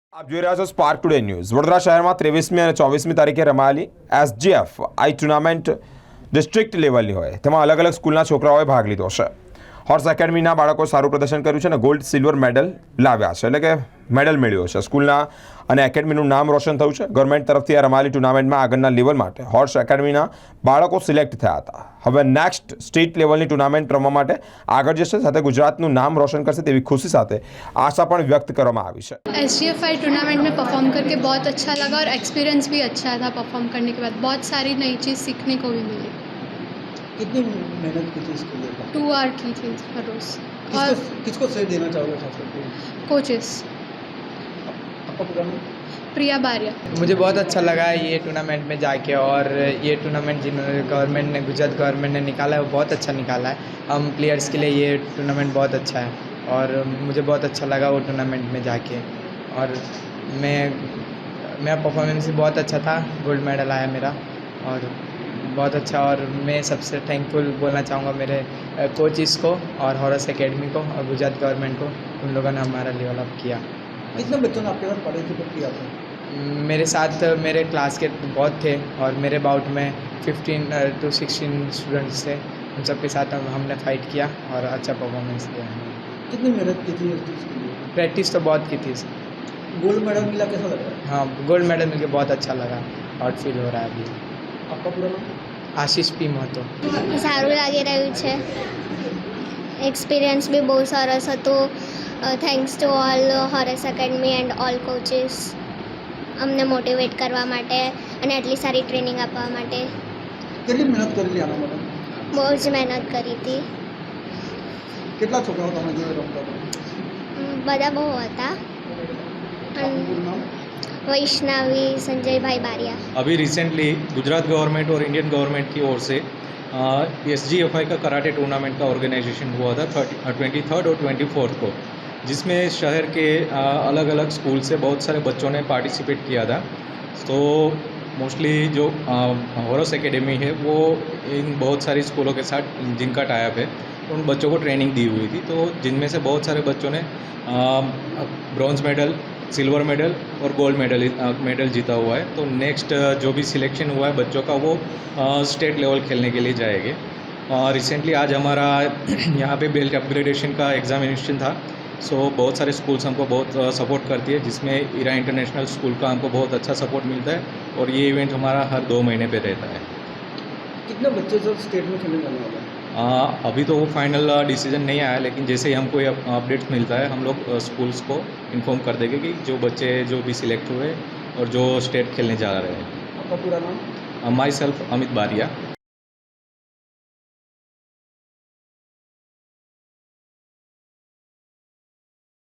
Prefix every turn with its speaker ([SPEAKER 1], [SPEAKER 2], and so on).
[SPEAKER 1] આપ જોઈ રહ્યા છો સ્પાર્ક ટુડે ન્યૂઝ। વડોદરા શહેરમાં 23મી અને 24મી તારીખે રમાયેલી એસજીએફ આઈ ટુર્નામેન્ટ ડિસ્ટ્રિક્ટ લેવલની હોય તેમાં અલગ અલગ સ્કૂલના છોકરાઓએ ભાગ લીધો છે। હોર્સ એકેડમીના બાળકો સારું પ્રદર્શન કર્યું છે અને ગોલ્ડ સિલ્વર મેડલ લાવ્યા છે, એટલે કે મેડલ મેળવ્યો છે। સ્કૂલના અને એકેડમીનું નામ રોશન થયું છે। ગવર્મેન્ટ તરફથી આ રમાયેલી ટુર્નામેન્ટમાં આગળના લેવલ માટે હોર્સ એકેડમીના બાળકો સિલેક્ટ થયા હતા। હવે નેક્સ્ટ સ્ટેટ લેવલની ટુર્નામેન્ટ રમવા માટે આગળ જશે, સાથે ગુજરાતનું નામ રોશન કરશે તેવી खुशी સાથે આશા પણ વ્યક્ત કરવામાં આવી છે।
[SPEAKER 2] एसजीएफआई टूर्नामेंट में परफॉर्म करके बहुत अच्छा लगा और एक्सपीरियंस भी अच्छा था। परफॉर्म करने के बाद बहुत सारी नई चीज़ सीखने को भी मिली।
[SPEAKER 3] कितनी मेहनत की थी इसके लिए?
[SPEAKER 2] 2 आवर की थी हर रोज़। और
[SPEAKER 3] किसको श्रेय देना चाहोगे खास करके?
[SPEAKER 2] कोचेस
[SPEAKER 3] आपका पूरा नाम?
[SPEAKER 2] प्रिया बारिया।
[SPEAKER 4] मुझे बहुत अच्छा लगा ये टूर्नामेंट में जाके, और ये टूर्नामेंट जिन्होंने गवर्नमेंट ने गुजरात गवर्नमेंट ने निकाला है वो बहुत अच्छा निकाला है। हम प्लेयर्स के लिए ये टूर्नामेंट बहुत अच्छा है और मुझे बहुत अच्छा लगा वो टूर्नामेंट में जाके। और मेरा परफॉर्मेंस भी बहुत अच्छा था, गोल्ड मेडल आया मेरा और बहुत अच्छा। और मैं सबसे थैंकफुल बोलना चाहूँगा मेरे कोचिस को और हॉर्स एकेडमी को और गुजरात गवर्नमेंट को, उन लोगों ने हमारा लेवल अप किया।
[SPEAKER 3] कितने बच्चों ने आपके साथ पार्टिसिपेट किया था?
[SPEAKER 4] मेरे साथ मेरे क्लास के बहुत थे और मेरे बाउट में 15 to 16 स्टूडेंट्स थे। उन सबके साथ हमने फाइट किया और अच्छा परफॉर्मेंस दिया।
[SPEAKER 3] कितनी मेहनत की थी इस चीज़ के लिए?
[SPEAKER 4] प्रैक्टिस तो बहुत की थी।
[SPEAKER 3] गोल्ड मेडल मिला, कैसा लगा?
[SPEAKER 4] हाँ, गोल्ड मेडल मिलके बहुत अच्छा लगा और फील हो रहा है अभी।
[SPEAKER 3] आपका पूरा नाम?
[SPEAKER 4] आशीष पी महतो।
[SPEAKER 5] સારું લાગી રહ્યું છે। એક્સપિરિયન્સ બી બહુ સરસ હતું। Thanks to all Horus Academy and all coaches અમને મોટિવેટ કરવા માટે અને આટલી સારી ટ્રેનિંગ આપવા માટે।
[SPEAKER 3] કેટલી મહેનત કરેલી આના માટે?
[SPEAKER 5] બહુ જ મહેનત કરી હતી।
[SPEAKER 3] કેટલા છોકરાઓ તમે જોડે રમતા હતા?
[SPEAKER 5] બધા બહુ હતા।
[SPEAKER 3] આપનું પૂરું નામ?
[SPEAKER 5] વૈષ્ણવી સંજયભાઈ બારિયા।
[SPEAKER 6] अभी रिसेंटली गुजरात गवर्नमेंट और इंडियन गवर्नमेंट की ओर से एसजीएफआई का कराटे टूर्नामेंट का ऑर्गेनाइजेशन हुआ था 23rd और 24th को, जिसमें शहर के अलग अलग स्कूल से बहुत सारे बच्चों ने पार्टिसिपेट किया था। तो मोस्टली जो हॉर्स एकेडमी है वो इन बहुत सारी स्कूलों के साथ जिनका टाइप है उन बच्चों को ट्रेनिंग दी हुई थी। तो जिनमें से बहुत सारे बच्चों ने ब्रॉन्ज मेडल, सिल्वर मेडल और गोल्ड मेडल जीता हुआ है। तो नेक्स्ट जो भी सिलेक्शन हुआ है बच्चों का वो स्टेट लेवल खेलने के लिए जाएंगे। रिसेंटली आज हमारा यहाँ पे बेल्ट अपग्रेडेशन का एग्जामिनेशन था। सो बहुत सारे स्कूल्स हमको बहुत सपोर्ट करती है, जिसमें ईरा इंटरनेशनल स्कूल का हमको बहुत अच्छा सपोर्ट मिलता है और ये इवेंट हमारा हर 2 महीने पे रहता है।
[SPEAKER 3] कितने बच्चे सब स्टेट में खेलने जाने वाले हैं?
[SPEAKER 6] अभी तो वो फाइनल डिसीजन नहीं आया, लेकिन जैसे ही हमको अपडेट्स मिलता है हम लोग स्कूल्स को इन्फॉर्म कर देंगे कि जो बच्चे जो भी सिलेक्ट हुए और जो स्टेट खेलने जा रहे हैं।
[SPEAKER 3] आपका पूरा नाम?
[SPEAKER 6] माई सेल्फ अमित बारिया।